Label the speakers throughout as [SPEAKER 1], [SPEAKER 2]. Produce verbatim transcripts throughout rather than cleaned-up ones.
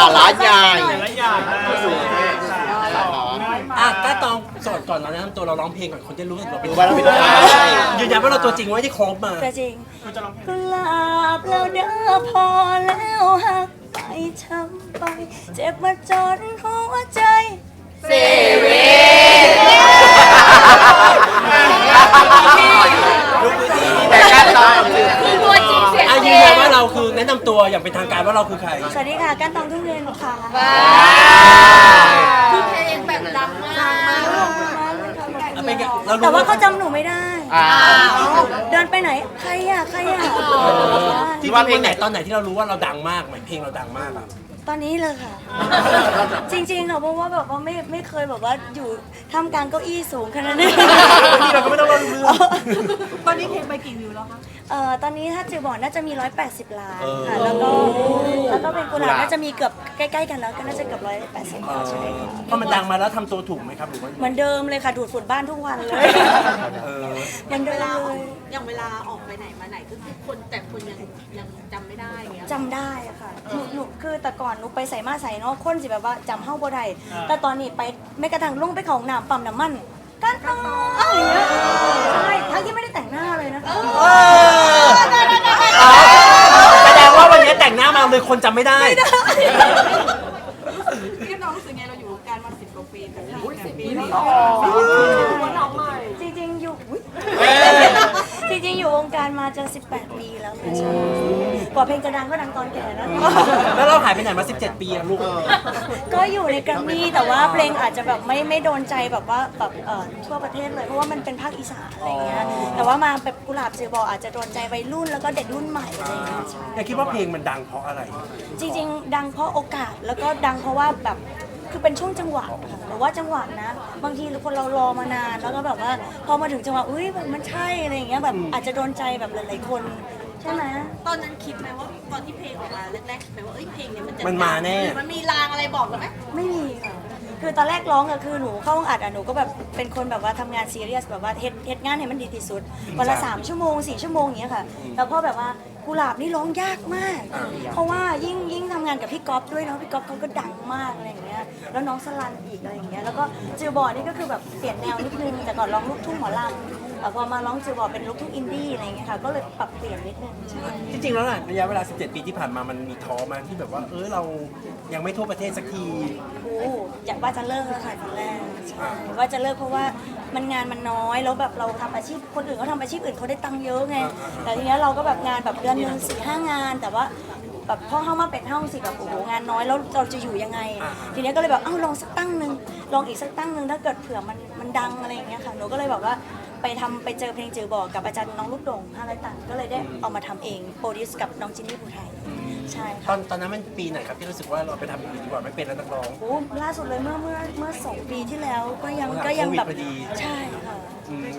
[SPEAKER 1] าระใหญ่
[SPEAKER 2] หลายอย่างนะ
[SPEAKER 3] อ่ะก็ต้องสอนก่อนเราแนะนำตัวเราร้องเพลงก่อนคนจะรู้สึกเราเป็น
[SPEAKER 1] รู้ว่าเราเป็นใคร
[SPEAKER 3] ยืนยันว่าเราตัวจริงไม่ได้ครบมา
[SPEAKER 4] ก็จริงกุหลาบแล้วเด้อพอแล้วหักไปช้ำไป เจ็บมาจนหัวใจเซเว่น
[SPEAKER 1] แต่การตอบ
[SPEAKER 4] คือตัวจริงเสียง
[SPEAKER 3] อ่ะ
[SPEAKER 4] จ
[SPEAKER 3] ยื
[SPEAKER 4] ริ
[SPEAKER 3] น
[SPEAKER 4] ง
[SPEAKER 3] ยันว่าเราคือแนะนำตัวอย่างเป็นทางการว่าเราคือใคร
[SPEAKER 4] สวัสดีค่ะก้านตองทุ่งเรียนค่ะ
[SPEAKER 5] คือเพลงแบบดังมาก
[SPEAKER 3] อ่ะเป็นไงเรารู้
[SPEAKER 4] แต่ว่าเขาจำหนูไม่ได้
[SPEAKER 1] อ่า
[SPEAKER 4] เดินไปไหนใครอ่ะใครอ่ะ
[SPEAKER 3] ที่ว่าเพลงไหนตอนไหนที่เรารู้ว่าเราดังมากเหมือนเพลงเราดังมากอ่ะ
[SPEAKER 4] ตอนนี้เลยค่ะ จริงๆค่ะเพราะว่าแบบว่าไม่ไม่เคยแบบว่าอยู่ท่ามกลางเก้าอี้สูงขนาดนี้
[SPEAKER 3] นี่เราก็ไม่ต้องรู้เรื่อง
[SPEAKER 5] ตอนนี้เพลงไปกี่วิวแล้วคะ
[SPEAKER 4] เอ่อตอนนี้ถ้าจือบอกน่าจะมีหนึ่งร้อยแปดสิบล้าน
[SPEAKER 3] เออ
[SPEAKER 4] ค่ะแล้วก็แล้วก็เป็นกุหลาบน่าจะมีเกือบใกล้ๆกันแล้วก็น่าจะเกือบหนึ่งร้อยแปดสิบใช่ค่ะ
[SPEAKER 3] พอมันดังมาแล้วทำตัวถูกไหมครับหรือว่า
[SPEAKER 4] เหมือนเดิมเลยค่ะดูดฝุ่นบ้านทุกวันเลย
[SPEAKER 3] เออ
[SPEAKER 4] เหมือนเดิมเลย
[SPEAKER 5] อย่างเวลาออกไปไหนมาไหนก็คือคนแต่คนยังยังจำไม่ได้อย่างเงี้ย
[SPEAKER 4] จำได้อะค่ะหนูหนูคือแต่ก่อนหนูไปใส่มาใส่เนาะคนสิแบบว่าจำเฮ้าบ่ได้แต่ตอนนี้ไปไม่กระทั่งลงไปเขาห้องน้ำปั๊มน้ำมันกันต่ออะไรอย่างเงี้ยใช่ทั้งที่ไม่ได้แต่งหน้าเลยนะคะ
[SPEAKER 3] แสดงว่าวันนี้แต่งหน้ามาเลยคนจำไม่ได้
[SPEAKER 5] พี่น้องรู้สึกไงเราอยู่วงการมาสิบกว่าปีแต่สิบปีนี่
[SPEAKER 4] จริงๆอยู่อุ๊ยจริงๆอยู่วงการมาจะสิบแปดปีแล้วค่ะใช่กว่าเพลงจะดังก็ดังตอนแก่แล้ว
[SPEAKER 3] แล้วเราหายไปไหนมาสิบเจ็ดปีอะลูก
[SPEAKER 4] ก็อยู่ในแกรมมี่แต่ว่าเพลงอาจจะแบบไม่ไม่โดนใจแบบว่าแบบเอ่อทั่วประเทศเลยเพราะว่ามันเป็นภาคอีสานอะไรเงี้ยแต่ว่ามาแบบกุหลาบจือบออาจจะโดนใจวัยรุ่นแล้วก็เด็กรุ่นใหม่อะไรเงี้ยใช่
[SPEAKER 3] แต่คิดว่าเพลงมันดังเพราะอะไร
[SPEAKER 4] จริงๆ ดังเพราะโอกาสแล้วก็ดังเพราะว่าแบบคือเป็นช่วงจังหวะค่ะหรือว่าจังหวะนะ บางทีคนเรารอมานานแล้วก็แบบว่าพอมาถึงจังหวะอุ้ยแบบมันใช่อะไรอย่างเงี้ยแบบอาจจะโดนใจแบบหลายๆคนใช่ไหม
[SPEAKER 5] ตอนนั้นคิดไหมว่าตอนที่เพลงออกมาแรกๆแบบว่าเอ้ยเพลงเนี้ยมันจะ
[SPEAKER 3] มันมาแน่
[SPEAKER 5] หรือมันมีรางอะไรบอกเราไหม
[SPEAKER 4] ไม่มีค่ะคือตอนแรกร้องอะคือหนูเข้าห้องอัดอะหนูก็แบบเป็นคนแบบว่าทำงานซีเรียสแบบว่าเฮ็ดเฮ็ดงานให้มันดีที่สุดวันละสามชั่วโมงสี่ชั่วโมงอย่างเงี้ยค่ะแล้วพอแบบว่ากุหลาบนี่ร้องยากมาก เพราะว่ายิ่งยิ่งทำงานกับพี่ก๊อฟด้วยเนาะพี่ก๊อฟเขาก็ดังมากอะไรอย่างเงี้ยแล้วน้องสลันอีกอะไรอย่างเงี้ยแล้วก็จือบอนี่ก็คือแบบเปลี่ยนแนวนิดนึงแต่ก่อนร้องลูกทุ่งหมอลำแต่พอมาร้องจือบอเป็นลูกทุ่งอินดี้อะไรอย่างเงี้ยค่ะก็เลยปรับเปลี่ยนนิดนึงใช่
[SPEAKER 3] จริงๆแล้วน่ะระยะเวลาสิบเจ็ดปีที่ผ่านมามันมีท้อมาที่แบบว่าเออเรายังไม่ทั่วประเทศสักที
[SPEAKER 4] โอ้อยากว่าจะเลิกแล้วค่ะตอนแรกใช่ว่าจะเลิกเพราะว่ามันงานมันน้อยแล้วแบบเราทำอาชีพคนอื่นเขาทำอาชีพอื่นเขาได้ตังค์เยอะไงแต่ทีเนี้ยเราก็แบบงานแบบเดือนหนึ่งสี่ห้างาน แต่ว่าแบบพ่อเข้ามาเป็นห้องสิแบบโอ้โหงานน้อยแล้วเราจะอยู่ยังไง ทีเนี้ยก็เลยแบบเอ้าลองสักตั้งหนึ่งลองอีกสักตั้งหนึ่งถ้าเกิดเผื่อมันมันดังอะไรอย่างเงี้ยค่ะหนูก็เลยแบบว่าไปทำไปเจอเพลงจือบอกกับอาจารย์น้องลูกโด่งห้าร้อยตันก็เลยได้เอามาทำเองโปรดิวส์กับน้องจินนี่ภูไทยใช่
[SPEAKER 3] ตอนตอนนั้นมันปีไหนครับที่รู้สึกว่าเราไปทำอย่างอื่นดีกว่าไม่เป็นแล้วนักร้อง
[SPEAKER 4] โอ้ล่าสุดเลยเมื่อเมื่อเมื่อสองปีที่แล้วก็ยังก็ยังแบบ
[SPEAKER 3] โควิดพอดี
[SPEAKER 4] ใช่ค่ะ
[SPEAKER 3] อืม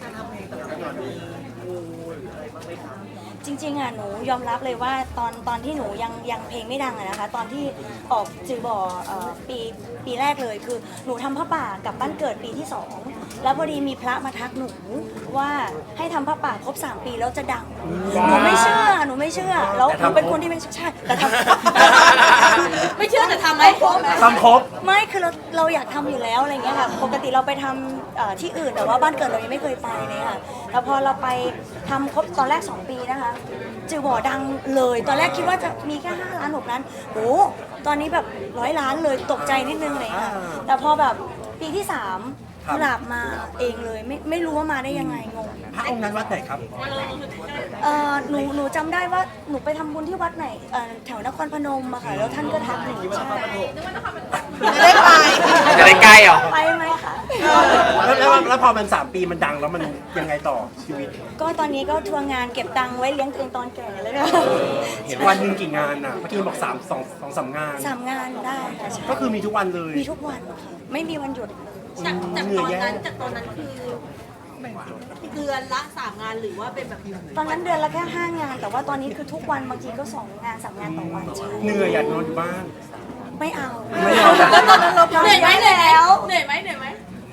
[SPEAKER 4] จริงๆอ่ะหนูยอมรับเลยว่าตอนตอนที่หนูยังยังเพลงไม่ดังอะนะคะตอนที่ออกจือบ่อเอ่อปีปีแรกเลยคือหนูทำผ้าป่ากลับบ้านเกิดปีที่สองแล้วพอดีมีพระมาทักหนูว่าให้ทำผ้าป่าครบสามปีแล้วจะดังหนูไม่เชื่อหนูไม่เชื่อแล้วหนูเป็นคนที่ไม่ใช่แต่ทำ
[SPEAKER 5] ไม่เชื่อแต่ทำไหม
[SPEAKER 3] ทำครบ
[SPEAKER 4] ไม่คือเราเราอยากทำอยู่แล้วอะไรเงี้ยค่ะปกติเราไปทำเอ่อที่อื่นแต่ว่าบ้านเกิดเรายังไม่เคยไปเลยค่ะแล้วพอเราไปทำครบตอนแรกสองปีนะคะจือบ่อดังเลยตอนแรกคิดว่าจะมีแค่ห้าล้านหกล้านโอ้ตอนนี้แบบร้อยล้านเลยตกใจนิดนึงเลยค่ะแต่พอแบบปีที่สามกุหลาบมาเองเลยไม่ไม่รู้ว่ามาได้ยังไงงง
[SPEAKER 3] พระองค์นั้นวัดไหนครับ
[SPEAKER 4] เอ่อหนูหนูจำได้ว่าหนูไปทำบุญที่วัดไหนเอ่อแถวนครพนมอะค่ะแล้วท่านก็ทักหนูใช่
[SPEAKER 5] จะได้ไป
[SPEAKER 1] จะได้ใกล้เหรอ
[SPEAKER 4] ไปไหมคะ
[SPEAKER 3] แล้วแล้วแล้วพอมันสามปีมันดังแล้วมันยังไงต่อชีวิต
[SPEAKER 4] ก็ตอนนี้ก็ทัวร์งานเก็บตังค์ไว้เลี้ยงตัวเองตอนแก่เลยค่ะ
[SPEAKER 3] เห็นวันหนึ่งกี่งานอ่ะเมื่อกี้บอกสามสองสองสามงาน
[SPEAKER 4] สามงานได้ค่ะใช่
[SPEAKER 3] ก็คือมีทุกวันเลย
[SPEAKER 4] มีทุกวันค่ะไม่มีวันหยุด
[SPEAKER 5] จากจากตอนนั้นจากตอนนั้นคือเดือนละสามงานหรือว่าเป็นแบบ
[SPEAKER 4] ตอนนั้นเดือนละแค่ห้างาน แต่ว่าตอนนี้คือทุกวันบางทีก็สองงานสามงานต่อวันใช่
[SPEAKER 3] เหนื่อยอยากนอนอยู่บ้าน
[SPEAKER 4] ไม่เอา
[SPEAKER 3] ไม่เอา
[SPEAKER 5] เหนื่อยไหมเหนื่อยไหมเหนื่อยไหมเหนื่อยไหม
[SPEAKER 4] โ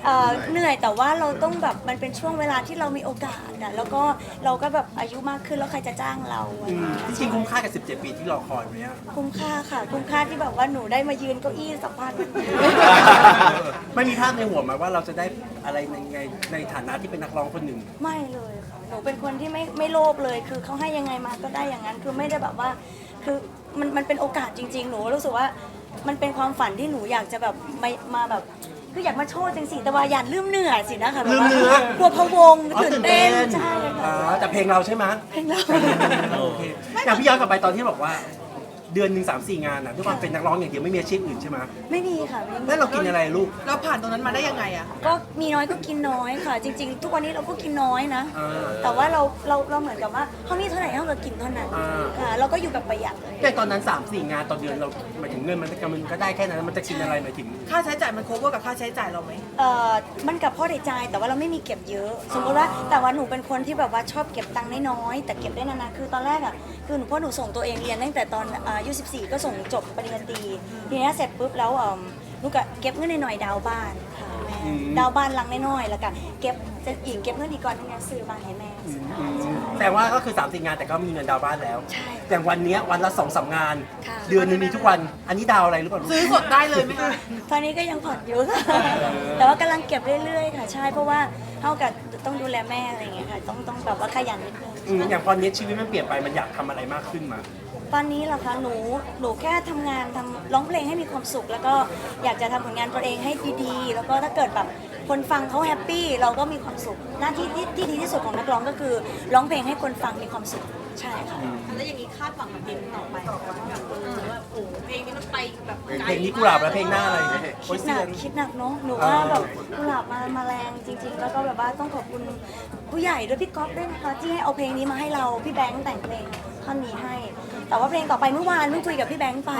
[SPEAKER 4] เอ่อเหนื่อยแต่ว่าเราต้องแบบมันเป็นช่วงเวลาที่เรามีโอกาสอะแล้วก็เราก็แบบอายุมากขึ้นแล้วใครจะจ้างเราอะ
[SPEAKER 3] อืมจริงๆคุ้มค่ากับสิบเจ็ดปีที่รอคอยไหมอะ
[SPEAKER 4] คุ้มค่าค่ะคุ้มค่าที่แบบว่าหนูได้มายืนเก้าอี้สัมภาษณ์
[SPEAKER 3] ไม่มีภาพในหัวไหมาว่าเราจะได้อะไรในในในฐานะที่เป็นนักร้องคนหนึ่ง
[SPEAKER 4] ไม่เลยค่ะหนูเป็นคนที่ไม่ไม่โลภเลย คือเขาให้ยังไงมาก็ได้อย่างนั้น คือไม่ได้แบบว่า คือมันมันเป็นโอกาสจริง ๆ หนูรู้สึกว่ามันเป็นความฝันที่หนูอยากจะแบบมามาแบบ คืออยากมาโชว์จังสิแต่ว่าอย่าลืมเนื้อสินะคะ
[SPEAKER 3] ลืมเนื้อ
[SPEAKER 4] กลัวพะวง
[SPEAKER 3] อ๋อ
[SPEAKER 4] ตื่นเต้นใช่
[SPEAKER 3] อ่า
[SPEAKER 4] ค่ะ
[SPEAKER 3] แต่เพลงเราใช่ไหม
[SPEAKER 4] เพลงเรา
[SPEAKER 3] โอเคอย่างพี่ย้อนกลับไปตอนที่บอกว่า เดือนหนึ่งสามสี่งานอ่ะด้วยความเป็นนักร้องอย่างเดียวไม่มีอาชีพอื่นใช่ไหม
[SPEAKER 4] ไม่มีค่ะไม่มี
[SPEAKER 3] แล้วเรากินอะไรลูก
[SPEAKER 2] เราผ่านตรงนั้นมาได้ยังไงอะ
[SPEAKER 4] ก็มีน้อยก็กินน้อยค่ะ จริง ๆ ทุกวันนี้เราก็กินน้อยนะ
[SPEAKER 3] อ่า
[SPEAKER 4] แต่ว่าเราเราเราเหมือนกับว่าเขามีเท่าไหร่เราก็กินเท่านั้น
[SPEAKER 3] อ่า
[SPEAKER 4] ค่ะเราก็อยู่แบบประหยัด
[SPEAKER 3] แต่ตอนนั้นสามสี่งานต่อเดือนเราหมายถึงเงินมันก็มันก็ได้แค่นั้นมันจะกินอะไรหมายถึง
[SPEAKER 2] ค่าใช้จ่ายมัน cover กับค่าใช้จ่ายเราไหม
[SPEAKER 4] เอ่อมันกับพ่อได้ใจายแต่ว่าเราไม่มีเก็บเยอะ สมมติว่าแต่ว่าหนูเป็นคนที่แบบว่าชอบเก็บตังค์น้อยๆแต่เก็บได้นานๆคือตอนแรกอ่ะคือหนูพ่อหนูส่งตัวเองเรียนตั้งแต่ตอนอายุสิบสี่ก็ส่งจบปริญญาตรีทีนี้เสร็จปุ๊บแล้วเอ่อหนูก็เก็บเงินหน่อยๆดาวน์บ้านค่ะแม่ดาวน์บ้านหลังน้อยๆแล้วก็เก็บจะอีกเก็บเงินอีกก่อนนึงซื้อบ้านให้แม่
[SPEAKER 3] แต่ว่าก็คือสามสี่งานแต่ก็มีเงินดาวน์บ้านแล้ว
[SPEAKER 4] ใช่
[SPEAKER 3] อย่างวันเนี้ยวันละสองสามงาน
[SPEAKER 4] ค่ะ
[SPEAKER 3] เดือนหนึงมีทุกวัน อันนี้ดาวอะไรหรือเปล่าลูก
[SPEAKER 2] ซื้อสดได้เลยไหมคะ
[SPEAKER 4] ตอนนี้ก็ยังผ่อนอยู่ค่ะแต่ว่ากำลังเก็บเรื่อยๆค่ะใช่เพราะว่าเท่ากับต้องดูแลแม่อะไรอย่างเงี้ยค่ะต้องต้องแบบว่าขยันนิดนึง
[SPEAKER 3] อืมอย่างตอนนี้ชีวิตมันเปลี่ยนไปมันอยากทำอะไรมากขึ้นมา
[SPEAKER 4] ตอนนี้เหรอคะหนูหนูแค่ทำงานทำร้องเพลงให้มีความสุข แล้วก็อยากจะทำผลงานตัวเองให้ดีๆ แล้วก็ถ้าเกิดแบบคนฟังเขาแฮปปี้เราก็มีความสุขหน้าที่ที่ที่ดีที่สุดของนักร้องก็คือร้องเพลงให้คนฟังมีความสุขใช่ค่ะ
[SPEAKER 5] แล้วอย่างนี้คาดหวังกับเพลงต่อไปแบบว่าโอ้โหเพลงนี้มันไปแบบไกล
[SPEAKER 3] เพลงนี้กุหลาบแล้วเพลงหน้าอะไรโอ้
[SPEAKER 4] คิ
[SPEAKER 3] ย
[SPEAKER 4] ดห
[SPEAKER 3] เสี
[SPEAKER 4] นั
[SPEAKER 3] ย
[SPEAKER 4] ก
[SPEAKER 3] ง
[SPEAKER 4] คิดหนักเนาะหนูว่าแบบกุหลาบมามาแรงจริง ๆ แล้วก็แบบว่าต้องขอบคุณผู้ใหญ่ด้วยพี่ก๊อฟด้วยนะคะที่ให้เอาเพลงนี้มาให้เราพี่แบงค์แต่งเพลงท่อนนี้ให้ แต่ว่าเพลงต่อไปเมื่อวานเพิ่งคุยกับพี่แบงค์ไป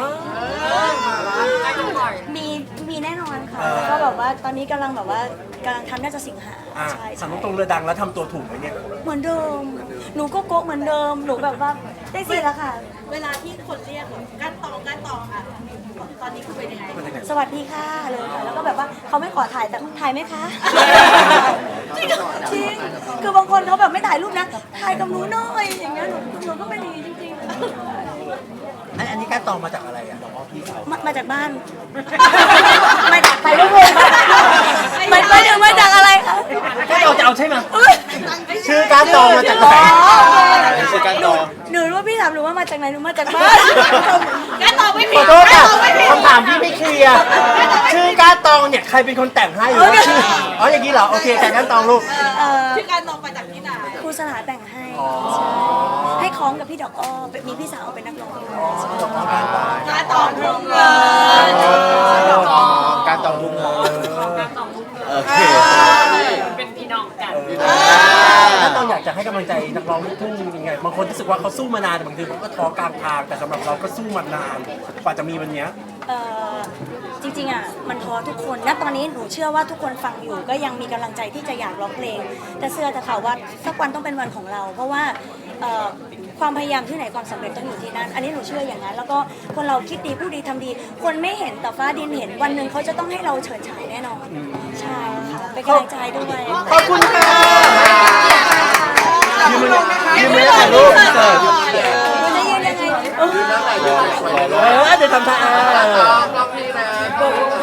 [SPEAKER 4] มีมีแน่นอนค่ะแล้วก็แบบว่าตอนนี้กำลังแบบว่ากำลังทำน่าจะสิงหา
[SPEAKER 3] อ่ะ
[SPEAKER 4] ใช่
[SPEAKER 3] ถาม
[SPEAKER 4] ใช่
[SPEAKER 3] ตรงๆเรือดังแล้วทำตัวถูกไหมเนี่ย
[SPEAKER 4] เหมือนเดิม หนูก็โก๊ะเหมือนเดิมหนูแบบว่าได้สิแล้วค่ะ
[SPEAKER 5] เวลาที่คนเรียกแบบก้านตองก้านตองอ่ะตอนนี้คือเป็นยังไง
[SPEAKER 3] มันยังไง
[SPEAKER 4] สวัสดีค่ะเลยค่ะแล้วก็แบบว่าเขาไม่ขอถ่ายแต่ถ่ายไหมคะ จริงจริงคือบางคนเขาแบบไม่ถ่ายรูปนะถ่ายกับหนูหน่อยอย่างเงี้ยหนูหนูก็เป็นอย่างนี้จริง
[SPEAKER 3] อันอันนี้การตองมาจากอะไรอ่ะบอกว่าพี่สาว
[SPEAKER 4] ๆมามาจากบ้านมาจากไปรูปเลยมันมาจากมาจากอะไรคะ
[SPEAKER 3] การตองจะเอาใช่ไหมชื่อการตองมาจากไหน
[SPEAKER 1] ชื่อการตอง
[SPEAKER 4] หนูรู้ว่าพี่ถามหนูว่ามาจากไหนหนูมาจากบ้าน
[SPEAKER 5] ก้านตองไม่
[SPEAKER 3] ข
[SPEAKER 5] ผิ
[SPEAKER 3] อ
[SPEAKER 5] ด
[SPEAKER 3] โทษ
[SPEAKER 5] ก้า
[SPEAKER 3] ค่ะ
[SPEAKER 5] นตองไม่ผิด
[SPEAKER 3] คำถามที่ไม่เคลียร์ชื่อการตองเนี่ยใครเป็นคนแต่งให้หรือว่าชื่ออ๋ออย่างนี้เหรอโอเคแต่การตองลูก
[SPEAKER 4] เอ่อ
[SPEAKER 5] ชื่อก้านตองมาจากที่ไหน
[SPEAKER 4] ครูสลาแต่งให้ใช่ให้คล้องกับพี่ดอกอ้อเป็นมีพี่สาวเป็นนักร้องด้วยใช่
[SPEAKER 5] ก้านตองทุ่งเงิน
[SPEAKER 1] การตองทุ่งเงินโอเค
[SPEAKER 5] เป็นพี่น้องกัน
[SPEAKER 3] ถ้าตองอยากจะให้กำลังใจนักร้องลูกทุ่งยังไงบางคนรู้สึกว่าเขาสู้มานานแต่บางทีเขาก็ท้อกลางทางแต่สำหรับเราก็สู้มานานกว่าจะมีวันเนี้ย
[SPEAKER 4] เอ่อจริงๆอ่ะมันท้อทุกคนณตอนนี้หนูเชื่อว่าทุกคนฟังอยู่ก็ยังมีกำลังใจที่จะอยากร้องเพลง แต่เชื่อแต่ค่ะว่าสักวันต้องเป็นวันของเรา เพราะว่าเอ่อความพยายามที่ไหนความสำเร็จต้องอยู่ที่นั่น อันนี้หนูเชื่ออย่างนั้น แล้วก็คนเราคิดดีพูดดีทำดี คนไม่เห็นแต่ฟ้าดินเห็นวันหนึ่งเขาจะต้องให้เราเฉิดฉายแน่นอนใช่ค่ะเป็นกำลังใจด้วย
[SPEAKER 3] ขอบคุณค่ะยืมมือยืมมือถ่ายรูปเสิร์ฟ
[SPEAKER 4] จะยืนยังไง
[SPEAKER 3] เออเดี๋ยวทำท่าเออ